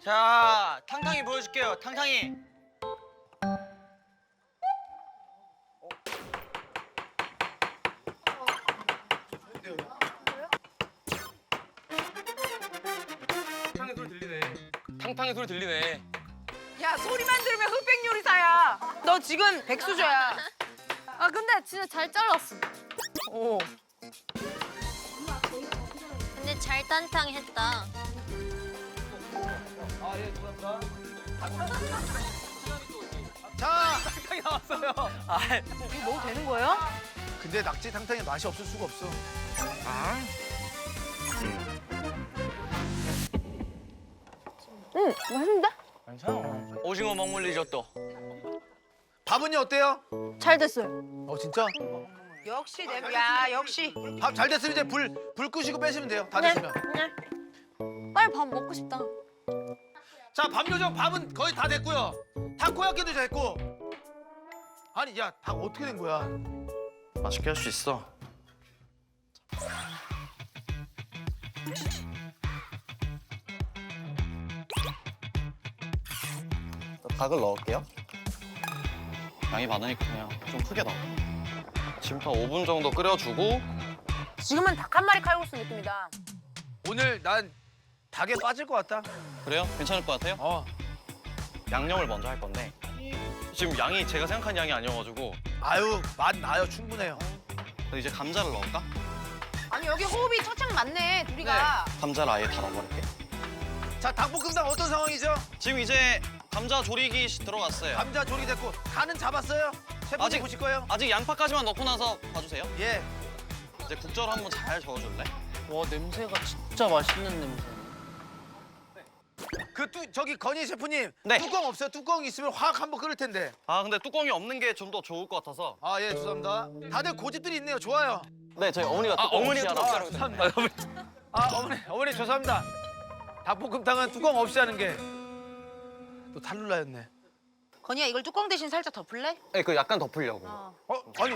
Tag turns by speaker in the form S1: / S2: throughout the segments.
S1: 자, 탕탕이 보여줄게요. 탕탕이.
S2: 탕탕이 소리 들리네. 탕탕이 소리 들리네.
S3: 야 소리만 들으면 흑백 요리사야. 너 지금 백수저야.
S4: 아 근데 진짜 잘 잘랐어.
S3: 오.
S4: 근데 잘 탄탕했다.
S5: 자,
S3: 이거 먹어도 되는 거예요?
S5: 근데 낙지 탕탕이 맛이 없을 수가 없어.
S3: 응 맛있는데?
S1: 오징어 먹물 리조또.
S5: 밥은요 어때요?
S4: 잘 됐어요.
S5: 진짜?
S3: 역시 야 역시.
S5: 밥 잘 됐으면 이제 불 끄시고 빼시면 돼요. 다 됐으면.
S4: 네. 빨리 밥 먹고 싶다.
S5: 자, 밥 요정 밥은 거의 다 됐고요. 타코야끼도 됐고. 아니, 야, 닭 어떻게 된 거야?
S1: 맛있게 할 수 있어. 닭을 넣을게요. 양이 많으니까 그냥 좀 크게 넣어. 지금부터 5분 정도 끓여주고
S3: 지금은 닭 한 마리 칼국수 느낌이다.
S5: 오늘 난 닭에 빠질 것 같다.
S1: 그래요? 괜찮을 것 같아요? 양념을 먼저 할 건데 지금 양이 제가 생각한 양이 아니어가지고
S5: 아유, 맛 나요. 충분해요.
S1: 이제 감자를 넣을까?
S3: 아니 여기 호흡이 처창 맞네 둘이가.
S1: 감자를 아예 다 넣어버릴게.
S5: 자, 닭볶음탕 어떤 상황이죠?
S1: 지금 이제 감자 조리기 들어갔어요.
S5: 감자 조리됐고 간은 잡았어요? 셰프님
S1: 아직-
S5: 보실 거예요?
S1: 아직 양파까지만 넣고 나서 봐주세요.
S5: 예.
S1: 이제 국절 한번 잘 저어줄래?
S6: 와 냄새가 진짜 맛있는 냄새.
S5: 저기 건희 셰프님
S1: 네.
S5: 뚜껑 없어요? 뚜껑 있으면 확 한번 끓을 텐데.
S1: 아 근데 뚜껑이 없는 게 좀 더 좋을 것 같아서.
S5: 아, 예, 죄송합니다. 다들 고집들이 있네요. 좋아요.
S1: 네, 저희 어머니가
S2: 어머니가 뚜껑 없이 하라고
S5: 죄송합니다. 어머니 죄송합니다. 닭볶음탕은 뚜껑 없이 하는 게 또 탈룰라였네.
S3: 건이야 이걸 뚜껑 대신 살짝 덮을래?
S1: 네, 그 약간 덮으려고.
S5: 아니.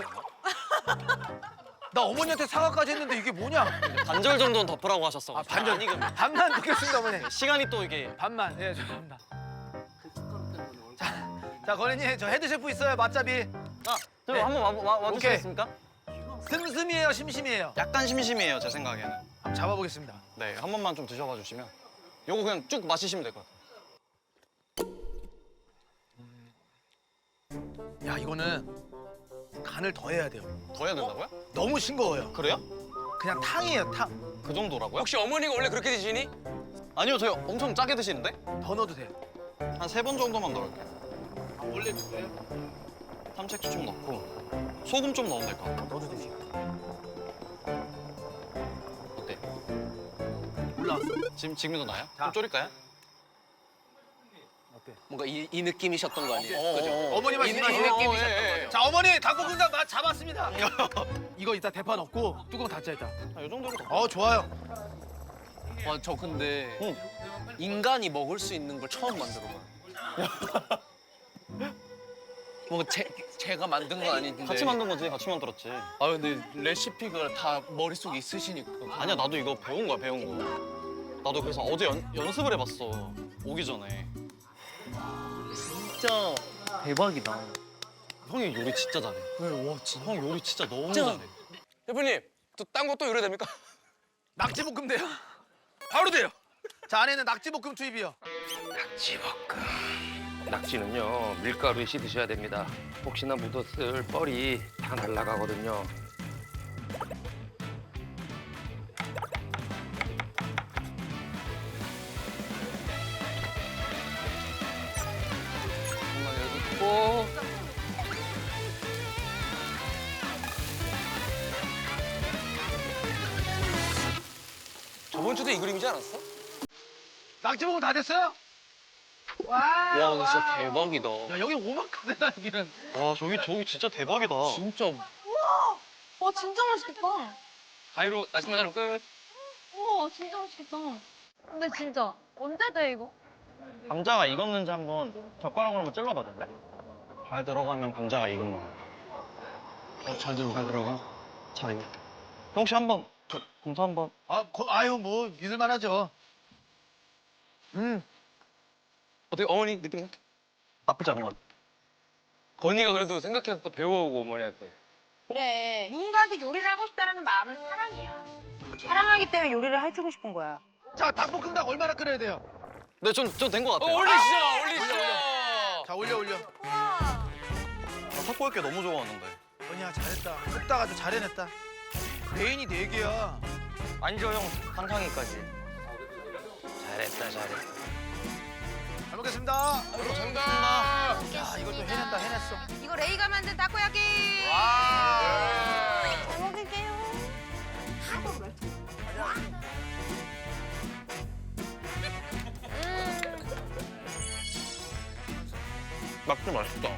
S5: 나 어머니한테 사과까지 했는데 이게 뭐냐?
S1: 반절 정도는 덮으라고 하셨어.
S5: 반절.
S1: 아니 그
S5: 반만 넣겠습니다, 어머니.
S1: 시간이 또 이게
S5: 반만. 예, 죄송합니다. 자, 건희님 저 헤드 셰프 있어요, 맛잡이.
S1: 저
S5: 네.
S1: 한번
S5: 오케이.
S1: 와주시겠습니까?
S5: 슴슴이에요, 심심이에요?
S1: 약간 심심해요, 제 생각에는.
S5: 한번 잡아보겠습니다.
S1: 네, 한 번만 좀 드셔봐 주시면. 요거 그냥 쭉 마시시면 될 것 같아요.
S5: 야, 이거는 간을 더 해야 돼요.
S1: 더 해야 된다고요?
S5: 너무 싱거워요.
S1: 그래요?
S5: 그냥 탕이에요, 탕.
S1: 그 정도라고요?
S2: 혹시 어머니가 원래 그렇게 드시니?
S1: 아니요, 저희 엄청 짜게 드시는데?
S5: 더 넣어도 돼요.
S1: 한 3번 정도만 넣을게요.
S5: 원래 그거예요?
S1: 삼색초 좀 넣고 소금 좀 넣으면 될 것 같아요.
S5: 넣어도 되지.
S1: 어때?
S5: 올라왔어.
S1: 지금도 나요?
S5: 자.
S1: 좀 졸일까요?
S5: 어때?
S6: 뭔가 이 느낌이셨던 거 아니에요?
S1: 어,
S6: 그죠?
S5: 어머니 말씀하신
S6: 이 느낌이셨던
S1: 예,
S6: 거죠?
S5: 자, 어머니 닭볶음탕 맛 잡았습니다. 이거 이따 대파 넣고 뚜껑 닫자 이따.
S1: 이 정도로 더.
S5: 좋아요.
S6: 와, 저 근데
S1: 응.
S6: 인간이 먹을 수 있는 걸 처음 만들어봐요. 뭔가 제가 만든 건 아닌데.
S1: 같이 만든 거지, 같이 만들었지.
S6: 아 근데 레시피가 다 머릿속에 있으시니까.
S1: 아니야, 나도 이거 배운 거야, 배운 거. 나도 그래서 어제 연습을 해봤어, 오기 전에.
S6: 진짜 대박이다.
S1: 형이 요리 진짜 잘해.
S6: 와 진짜.
S1: 형 요리 진짜 너무
S6: 진짜.
S1: 잘해.
S2: 셰프님 또 딴 것도 요리 됩니까?
S5: 낙지볶음 돼요? 바로 돼요. 자, 안에는 낙지볶음 투입이요.
S7: 낙지볶음. 낙지는요 밀가루에 씻으셔야 됩니다. 혹시나 묻었을 뻘이 다 날아가거든요.
S6: 정말 여기 있고.
S2: 저번 주도 이 그림이지 않았어?
S5: 낙지볶음 다 됐어요?
S6: 와 근데 진짜 대박이다.
S5: 야, 여기 오만큼이다 여기는.
S1: 와, 저기 진짜 대박이다.
S6: 진짜.
S4: 와 진짜 맛있겠다.
S2: 가위로 나시마자로 끝.
S4: 우와 진짜 맛있겠다. 근데 진짜 언제 돼 이거?
S1: 감자가 익었는지 한번 젓가락으로 한번 찔러봐줄래? 잘 들어가면 감자가 익은 거야. 잘 들어가. 잘 익어. 혹시 한번 검사 한번.
S5: 아유, 뭐 믿을만하죠.
S2: 어떻게 어머니 느낌?
S1: 나쁘지 않은 것 같아.
S2: 건이가 그래도 생각해서 또 배워오고 어머니한테.
S3: 그래. 누군가한테 요리를 하고 싶다는 마음은 사랑이야. 사랑하기 때문에 요리를 해주고 싶은 거야.
S5: 자, 닭볶음탕 얼마나 끓여야 돼요?
S1: 네, 좀 된 것 같아요.
S2: 올리시죠.
S5: 자, 올려.
S1: 탁구할게 너무 좋아하는데.
S5: 건이야, 잘했다. 굽다가도 잘 해냈다. 메인이 4개야.
S1: 아니죠, 형. 상상이까지.
S7: 잘했다.
S5: 잘 먹겠습니다.
S2: 감사합니다.
S5: 야, 이걸 또 해냈어.
S3: 이거 레이가 만든 타코야끼.
S4: 잘 먹을게요.
S1: 낙지 맛있다.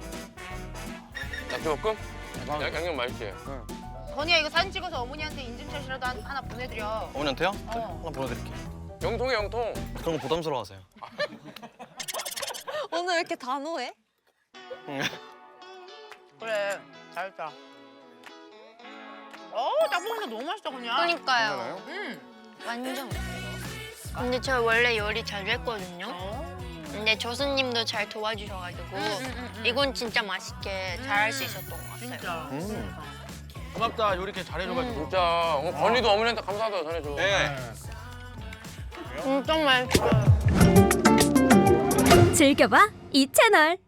S2: 낙지볶음? 양념 맛있지?
S3: 건이야 이거 사진 찍어서 어머니한테 인증샷이라도 하나 보내드려.
S1: 어머니한테요? 네, 하나 보내드릴게요.
S2: 영통에 영통.
S1: 그런 거 부담스러워하세요.
S4: 오늘 왜 이렇게 단호해?
S3: 그래 잘했다. 닭볶음탕 너무 맛있다 그냥.
S4: 그러니까요.
S8: 완전. 근데 저 원래 요리 자주 했거든요. 근데 조수님도 잘 도와주셔가지고 이건 진짜 맛있게 잘할 수 있었던 것 같아요.
S3: 진짜.
S5: 고맙다. 요리 이렇게 잘해줘가지고.
S2: 진짜. 건이도 어머니한테 감사하다고 전해줘.
S1: 네.
S8: 진짜 맛있어요.
S9: 즐겨봐 이 채널.